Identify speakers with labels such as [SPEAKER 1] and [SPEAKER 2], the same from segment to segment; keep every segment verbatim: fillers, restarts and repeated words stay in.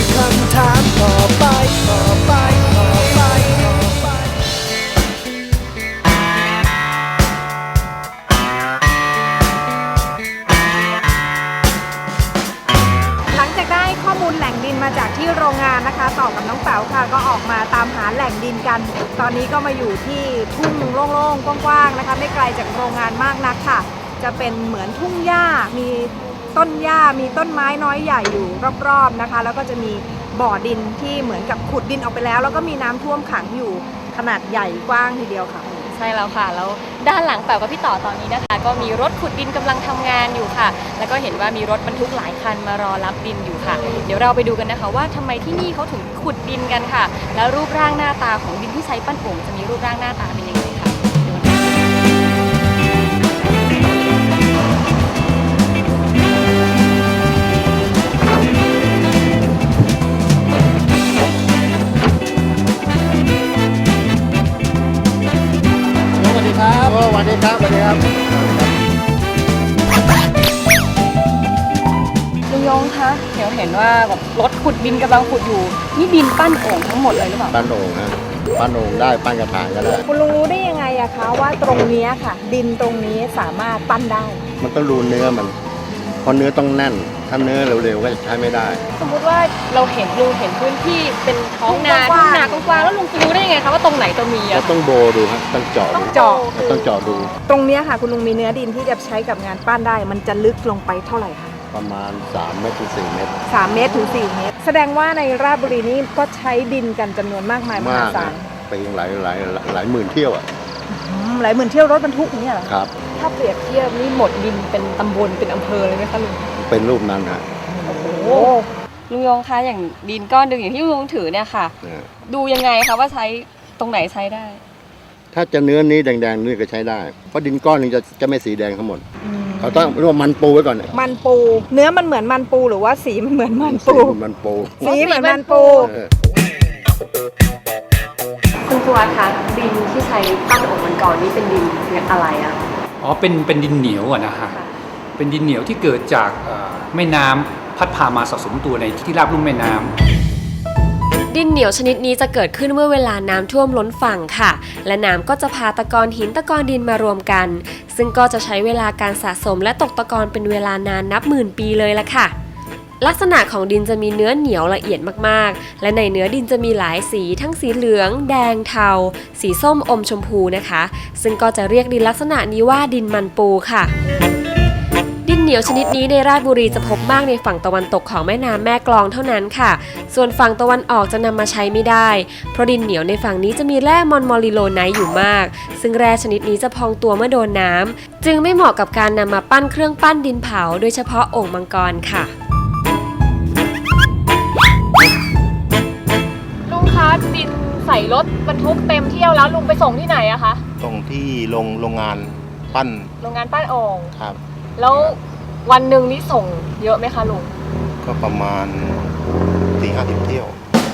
[SPEAKER 1] คำถามต่อไปต่อไปต่อไปต่อไป
[SPEAKER 2] หลังจากได้ข้อมูลแหล่งดินมาจากที่โรงงานนะคะต่อกับน้องแป๋วค่ะก็ออกมาตามหาแหล่งดินกัน ตอนนี้ก็มาอยู่ที่ทุ่งโล่งๆกว้างๆนะคะไม่ไกลจากโรงงานมากนักค่ะจะเป็นเหมือนทุ่งหญ้ามีต้นหญ้ามีต้นไม้น้อยใหญ่อยู่รอบๆนะคะแล้วก็จะมีบ่อดินที่เหมือนกับขุดดินออกไปแล้วแล้วก็มีน้ำท่วมขังอยู่ขนาดใหญ่กว้างทีเดียวค่ะ
[SPEAKER 3] ใช่แล้วค่ะแล้วด้านหลังแป๋วกับพี่ต่อตอนนี้นะคะก็มีรถขุดดินกำลังทำงานอยู่ค่ะแล้วก็เห็นว่ามีรถบรรทุกหลายคันมารอรับดินอยู่ค่ะเดี๋ยวเราไปดูกันนะคะว่าทำไมที่นี่เขาถึงขุดดินกันค่ะแล้วรูปร่างหน้าตาของดินที่ใช้ปั้นโป่งจะมีรูปร่างหน้าตาเป็นยังไงค่ะ
[SPEAKER 4] สวัสดีครับสวัสดีครับสวัสดีครับ
[SPEAKER 3] ลุงยงคะเดี๋ยวเห็นว่าแบบรถขุดดินกำลังขุดอยู่นี่ดินปั้นโอ่งทั้งหมดเลยหรือเปล่า
[SPEAKER 4] ปั้นโอ่งนะปั้นโอ่งได้ปั้นกระถางก็ได้
[SPEAKER 2] คุณลุงรู้ได้ยังไงอะคะว่าตรงนี้ค่ะดินตรงนี้สามารถปั้นได้
[SPEAKER 4] มันต้องดูเนื้อมันเพราะเนื้อต้องแน่นถ้าเนื้อเร็วๆก็จะใช้ไม่ได้
[SPEAKER 3] สมมุติว่าเราเห็นลุงเห็นพื้นที่เป็นท้องนาทุ่งนากว้างๆแล้วลุงจะรู้ได้ยังไงคะว่าตรงไหนตัวมีอะ
[SPEAKER 4] เราต้องโบดูครับต้องเจาะ
[SPEAKER 2] ต้องเจาะ
[SPEAKER 4] ต้องเจาะดู
[SPEAKER 2] ตรงนี้ค่ะคุณลุงมีเนื้อดินที่จะใช้กับงานปั้นได้มันจะลึกลงไปเท่าไหร่คะ
[SPEAKER 4] ประมาณสามเมตรถึงสี่เมตร
[SPEAKER 2] สามเมตรถึงสี่เมตรแสดงว่าในราชบุรีนี้ก็ใช้ดินกันจำนวนมากมายมหาศาล
[SPEAKER 4] ไปหลายหลายหลายหมื่นเที่ยวอ่ะ
[SPEAKER 2] หลายหมื่นเที่ยวรถบรรทุกนี่เหรอ
[SPEAKER 4] ครับ
[SPEAKER 3] ถ้าเปรียบเทียบนี่หมดดินเป็นตำบลเป็นอำเภอเลยไหมคะลุง
[SPEAKER 4] เป็นรูปนั้นฮะ
[SPEAKER 3] โอ้โหลุงยงคะอย่างดินก้อนหนึ่งอย่างที่ลุงถือเนี่ยค่ะดูยังไงคะว่าใช้ตรงไหนใช้ได้
[SPEAKER 4] ถ้าจะเนื้อนี้แดงๆนี่ก็ใช้ได้เพราะดินก้อนนึงจะจะไม่สีแดงทั้งหมดเขาต้องเรียกว่ามันปูไว้ก่อน
[SPEAKER 2] มันปูเนื้อมันเหมือนมันปูหรือว่าสีมันเหมือนมันปู
[SPEAKER 4] มันปู
[SPEAKER 2] สีเหมือนมันปู
[SPEAKER 3] คุณครูคะดินที่ใช้ปั้นโอ่งมังกรนี่เป็นดินอะไรอะ
[SPEAKER 5] อ๋อเป็นเป็นดินเหนียวอะนะฮะเป็นดินเหนียวที่เกิดจากแม่น้ำพัดพามาสะสมตัวในที่ราบลุ่มแม่น้ำ
[SPEAKER 6] ดินเหนียวชนิดนี้จะเกิดขึ้นเมื่อเวลาน้ำท่วมล้นฝั่งค่ะและน้ำก็จะพาตะกอนหินตะกอนดินมารวมกันซึ่งก็จะใช้เวลาการสะสมและตกตะกอนเป็นเวลานานนับหมื่นปีเลยล่ะค่ะลักษณะของดินจะมีเนื้อเหนียวละเอียดมากๆและในเนื้อดินจะมีหลายสีทั้งสีเหลืองแดงเทาสีส้มอมชมพูนะคะซึ่งก็จะเรียกดินลักษณะนี้ว่าดินมันปูค่ะดินเหนียวชนิดนี้ในราชบุรีจะพบมากในฝั่งตะวันตกของแม่น้ำแม่กลองเท่านั้นค่ะส่วนฝั่งตะวันออกจะนำมาใช้ไม่ได้เพราะดินเหนียวในฝั่งนี้จะมีแร่มอนมอลิโลไนท์อยู่มากซึ่งแร่ชนิดนี้จะพองตัวเมื่อโดนน้ำจึงไม่เหมาะกับการนำมาปั้นเครื่องปั้นดินเผาโดยเฉพาะโอ่งมังกรค่ะ
[SPEAKER 3] ลุงคะดินใส่รถบรรทุกเต็มเที่ยวแล้วลุงไปส่งที่ไหนอะคะ
[SPEAKER 4] ส่งที่โรงโรงงานปั้น
[SPEAKER 3] โรงงานปั้นโอ่ง
[SPEAKER 4] ครับ
[SPEAKER 3] แล้ววันหนึ่งนี่ส่งเยอะไหมคะลุง
[SPEAKER 4] ก็ประมาณสี่ห้าสิบเที่ยว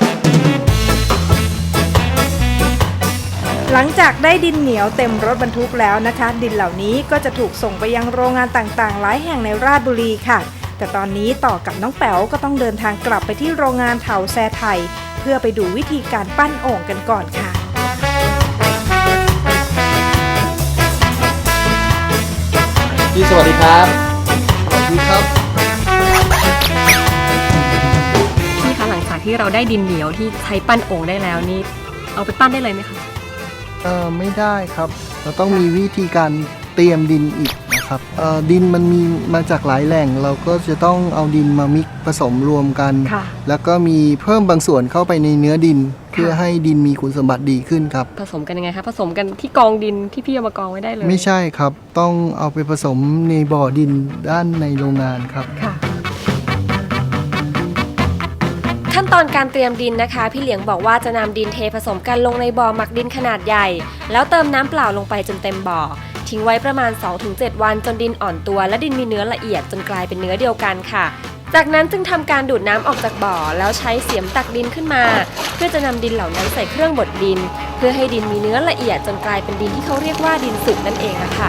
[SPEAKER 2] หลังจากได้ดินเหนียวเต็มรถบรรทุกแล้วนะคะดินเหล่านี้ก็จะถูกส่งไปยังโรงงานต่างๆหลายแห่งในราชบุรีค่ะแต่ตอนนี้ต่อกับน้องแป๋วก็ต้องเดินทางกลับไปที่โรงงานเถาแซไทยเพื่อไปดูวิธีการปั้นโอ่งกันก่อนค่ะ
[SPEAKER 5] พี่สวัสดีครับ
[SPEAKER 4] สวัสดีครับ
[SPEAKER 3] พี่คะหลังจากที่เราได้ดินเหนียวที่ใช้ปั้นโอ่งได้แล้วนี่เอาไปปั้นได้เลยไหมคะ
[SPEAKER 7] เออไม่ได้ครับเราต้องมีวิธีการเตรียมดินอีกนะครับเออดินมันมีมาจากหลายแหล่งเราก็จะต้องเอาดินมามิกผสมรวมกันแล้วก็มีเพิ่มบางส่วนเข้าไปในเนื้อดินเพื่อให้ดินมีคุณสมบัติดีขึ้นครับ
[SPEAKER 3] ผสมกันยังไงคะผสมกันที่กองดินที่พี่เอามากองไว้ได้เลย
[SPEAKER 7] ไม่ใช่ครับต้องเอาไปผสมในบ่อดินด้านในโรงงานครับ
[SPEAKER 6] ขั้นตอนการเตรียมดินนะคะพี่เหลียงบอกว่าจะนำดินเทผสมกันลงในบ่อหมักดินขนาดใหญ่แล้วเติมน้ำเปล่าลงไปจนเต็มบ่อทิ้งไว้ประมาณ สองถึงเจ็ด วันจนดินอ่อนตัวและดินมีเนื้อละเอียดจนกลายเป็นเนื้อเดียวกันค่ะจากนั้นจึงทำการดูดน้ำออกจากบ่อแล้วใช้เสียมตักดินขึ้นมาเพื่อจะนำดินเหล่านั้นใส่เครื่องบดดินเพื่อให้ดินมีเนื้อละเอียดจนกลายเป็นดินที่เขาเรียกว่าดินสุกนั่นเองค่ะ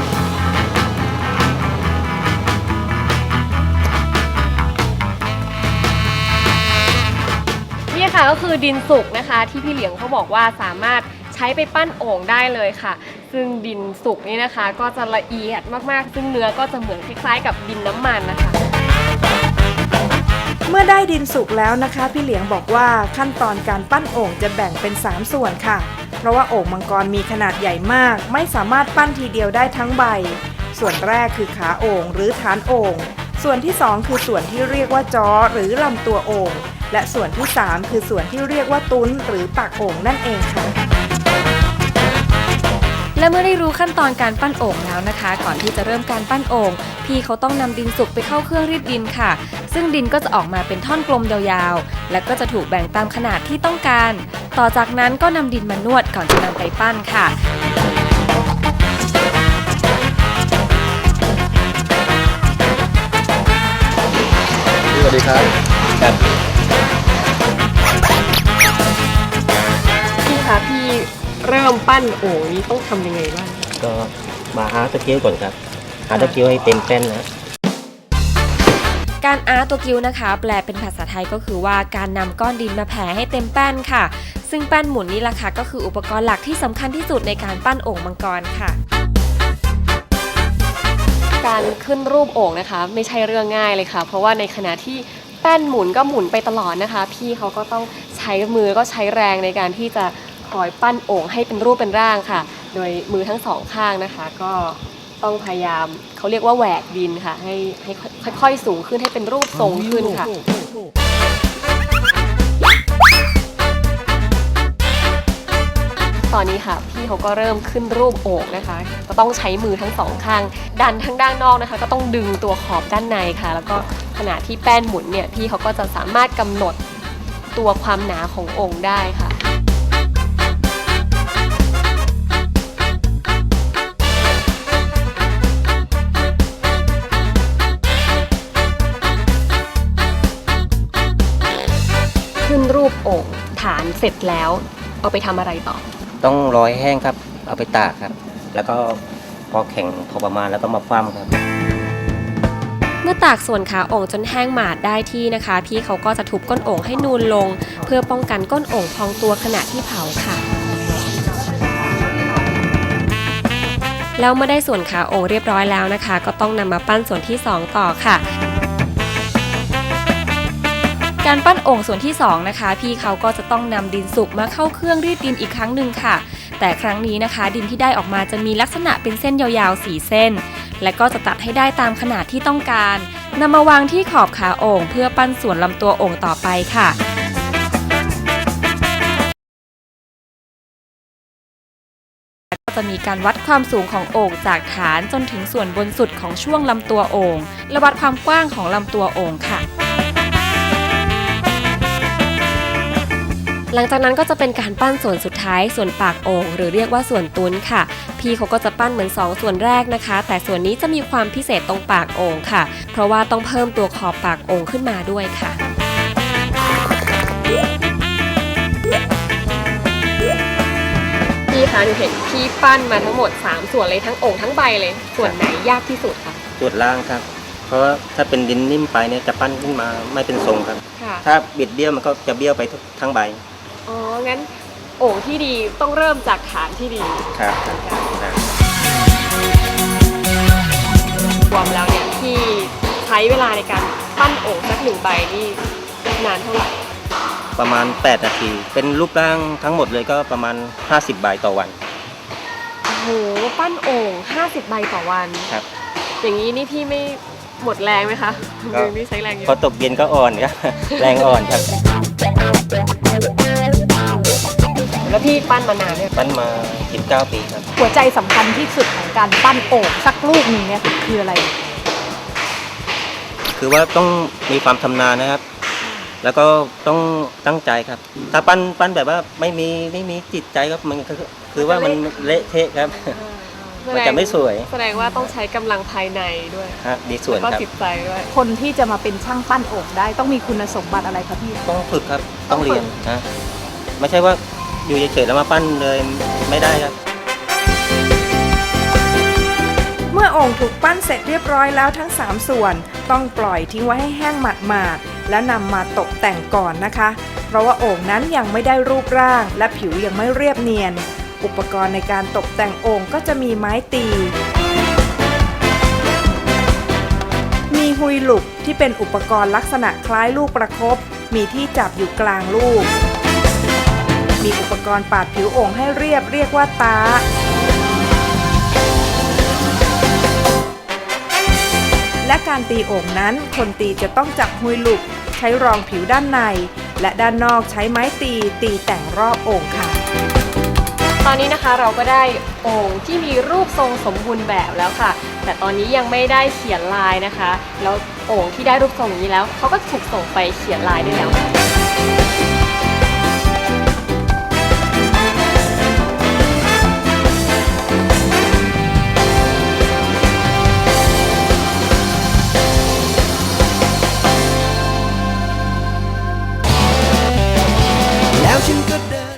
[SPEAKER 3] พค่ะก็คือดินสุกนะคะที่พี่เหลียงเขาบอกว่าสามารถใช้ไปปั้นโอ่งได้เลยค่ะซึ่งดินสุกนี่นะคะก็จะละเอียดมากๆซึ่งเนื้อก็จะเหมือนคล้ายๆกับดินน้ำมันนะคะ
[SPEAKER 2] เมื่อได้ดินสุกแล้วนะคะพี่เหลียงบอกว่าขั้นตอนการปั้นโอ่งจะแบ่งเป็นสามส่วนค่ะเพราะว่าโอ่งมังกรมีขนาดใหญ่มากไม่สามารถปั้นทีเดียวได้ทั้งใบส่วนแรกคือขาโอ่งหรือฐานโอ่งส่วนที่สองคือส่วนที่เรียกว่าจ้อหรือลำตัวโอ่งและส่วนที่สามคือส่วนที่เรียกว่าตุ้นหรือปากโอ่งนั่นเองค่ะ
[SPEAKER 6] และเมื่อได้รู้ขั้นตอนการปั้นโอ่งแล้วนะคะ ก่อนที่จะเริ่มการปั้นโอ่งพี่เขาต้องนำดินสุกไปเข้าเครื่องรีดดินค่ะซึ่งดินก็จะออกมาเป็นท่อนกลมยาวๆและก็จะถูกแบ่งตามขนาดที่ต้องการต่อจากนั้นก็นำดินมานวดก่อนจะนำไปปั้นค่ะ
[SPEAKER 4] สวัสดีครับครับ
[SPEAKER 3] พี่คะพี่เริ่มปั้นโอ่งนี้ต้องทำยังไงบ้าง
[SPEAKER 8] ก็มาอาร์ตตะกิ้วก่อนครับอาร์ตตะกิ้วให้เต็มแป้นนะ
[SPEAKER 6] การอาร์ตตัวกิ้วนะคะแปลเป็นภาษาไทยก็คือว่าการนำก้อนดินมาแผ่ให้เต็มแป้นค่ะซึ่งแป้นหมุนนี่แหละค่ะก็คืออุปกรณ์หลักที่สำคัญที่สุดในการปั้นโอ่งมังกรค่ะ
[SPEAKER 3] การขึ้นรูปโอ่งนะคะไม่ใช่เรื่องง่ายเลยค่ะเพราะว่าในขณะที่แป้นหมุนก็หมุนไปตลอดนะคะพี่เขาก็ต้องใช้มือก็ใช้แรงในการที่จะคอยปั้นโอ่งให้เป็นรูปเป็นร่างค่ะโดยมือทั้งสองข้างนะคะก็ต้องพยายามเขาเรียกว่าแหวกดินค่ะให้ให้ค่อยๆสูงขึ้นให้เป็นรูปทรงขึ้นค่ะตอนนี้ค่ะพี่เขาก็เริ่มขึ้นรูปโอ่งนะคะก็ต้องใช้มือทั้งสองข้างดันทั้งด้านนอกนะคะก็ต้องดึงตัวขอบด้านในค่ะแล้วก็ขณะที่แป้นหมุนเนี่ยพี่เขาก็จะสามารถกำหนดตัวความหนาของโอ่งได้ค่ะขึ้นรูปโอ่งฐานเสร็จแล้วเอาไปทำอะไรต่อ
[SPEAKER 8] ต้องรอให้แห้งครับเอาไปตากครับแล้วก็พอแข็งพอประมาณแล้วก็มาคว่ำครับ
[SPEAKER 6] เมื่อตากส่วนขาโอ่งจนแห้งหมาดได้ที่นะคะพี่เขาก็จะทุบก้นโอ่งให้นูนลงเพื่อป้องกันก้นโอ่งพองตัวขณะที่เผาค่ะแล้วเมื่อได้ส่วนขาโอ่งเรียบร้อยแล้วนะคะก็ต้องนำมาปั้นส่วนที่สองต่อค่ะการปั้นโอ่งส่วนที่สองนะคะพี่เขาก็จะต้องนำดินสุกมาเข้าเครื่องรีดดินอีกครั้งหนึ่งค่ะแต่ครั้งนี้นะคะดินที่ได้ออกมาจะมีลักษณะเป็นเส้นยาวๆสี่เส้นและก็จะตัดให้ได้ตามขนาดที่ต้องการนำมาวางที่ขอบขาโอ่งเพื่อปั้นส่วนลำตัวโอ่งต่อไปค่ะก็จะมีการวัดความสูงของโอ่งจากฐานจนถึงส่วนบนสุดของช่วงลำตัวโอ่งและวัดความกว้างของลำตัวโอ่งค่ะหลังจากนั้นก็จะเป็นการปั้นส่วนสุดท้ายส่วนปากโอ่งหรือเรียกว่าส่วนตุ้นค่ะพี่เขาก็จะปั้นเหมือนสองส่วนแรกนะคะแต่ส่วนนี้จะมีความพิเศษตรงปากโอ่งค่ะเพราะว่าต้องเพิ่มตัวขอบปากโอ่งขึ้นมาด้วยค่ะ
[SPEAKER 3] พี่คะหนูเห็นพี่ปั้นมาทั้งหมดสามส่วนเลยทั้งโอ่งทั้งใบเลยส่วนไหนยากที่สุดคะ
[SPEAKER 8] ส่วนล่างครับเพราะว่าถ้าเป็นดินนิ่มไปเนี่ยจะปั้นขึ้นมาไม่เป็นทรงครับถ้าบิดเบี้ยวมันก็จะเบี้ยวไปทั้งใบ
[SPEAKER 3] อ๋องั้นโอ่งที่ดีต้องเริ่มจากฐานที่ดี
[SPEAKER 8] ครับ
[SPEAKER 3] รวมแล้วเนี่ยที่ใช้เวลาในการปั้นโอ่งสักหนึ่งใบนี่นานเท่าไหร่
[SPEAKER 8] ประมาณแปดนาทีเป็นรูปร่างทั้งหมดเลยก็ประมาณห้าสิบใบต่อวัน
[SPEAKER 3] โอ้โหปั้นโอ่งห้าสิบใบต่อวัน
[SPEAKER 8] ครับ
[SPEAKER 3] อย่างนี้นี่พี่ไม่หมดแรงไหมคะมือนี่ใช้แรงเยอะ
[SPEAKER 8] พอตกเย็นก็อ่อนครับแรงอ่อนครับ
[SPEAKER 3] แล้วพี่ปั้นมานานเนี่ย
[SPEAKER 8] ปั้นมาสิบเก้าปีครับ
[SPEAKER 2] หัวใจสำคัญที่สุดของการปั้นโอ่งสักลูกหนึ่งเนี่ยคืออะไร
[SPEAKER 8] คือว่าต้องมีความชำนาญนะครับแล้วก็ต้องตั้งใจครับถ้าปั้นปั้นแบบว่าไม่มีไม่มีจิตใจครับมันคือคือว่ามันเละเทะครับมันจะไม่สวย
[SPEAKER 3] แสดงว่าต้องใช้กำลังภายในด้วย
[SPEAKER 8] ฮะดีส่วนครับ
[SPEAKER 3] ก็จิตใจด้วย
[SPEAKER 2] คนที่จะมาเป็นช่างปั้นโอ่งได้ต้องมีคุณสมบัติอะไรครับพี่
[SPEAKER 8] ต้องฝึกครับต้องเรียนนะไม่ใช่ว่าอยู่เฉยๆแล้วมาปั้นเลยไม่ได้ครับ
[SPEAKER 2] เมื่อโอ่งถูกปั้นเสร็จเรียบร้อยแล้วทั้งสามส่วนต้องปล่อยทิ้งไว้ให้แห้งหมาดๆและนำมาตกแต่งก่อนนะคะ เพราะว่าโอ่งนั้นยังไม่ได้รูปร่างและผิวยังไม่เรียบเนียน อุปกรณ์ในการตกแต่งโอ่งก็จะมีไม้ตี มีฮุยหลุกที่เป็นอุปกรณ์ลักษณะคล้ายลูกประคบ มีที่จับอยู่กลางลูก มีอุปกรณ์ปาดผิวโอ่งให้เรียบเรียกว่าตา และการตีโอ่งนั้นคนตีจะต้องจับฮุยหลุกใช้รองผิวด้านใน และด้านนอกใช้ไม้ตีตีแต่งรอบโอ่งค่ะ
[SPEAKER 3] ตอนนี้นะคะเราก็ได้โอ่งที่มีรูปทรงสมบูรณ์แบบแล้วค่ะ แต่ตอนนี้ยังไม่ได้เขียนลายนะคะ แล้วโอ่งที่ได้รูปทรงอย่างนี้แล้วเขาก็ถูกส่งไปเขียนลายได้แล้วค่ะ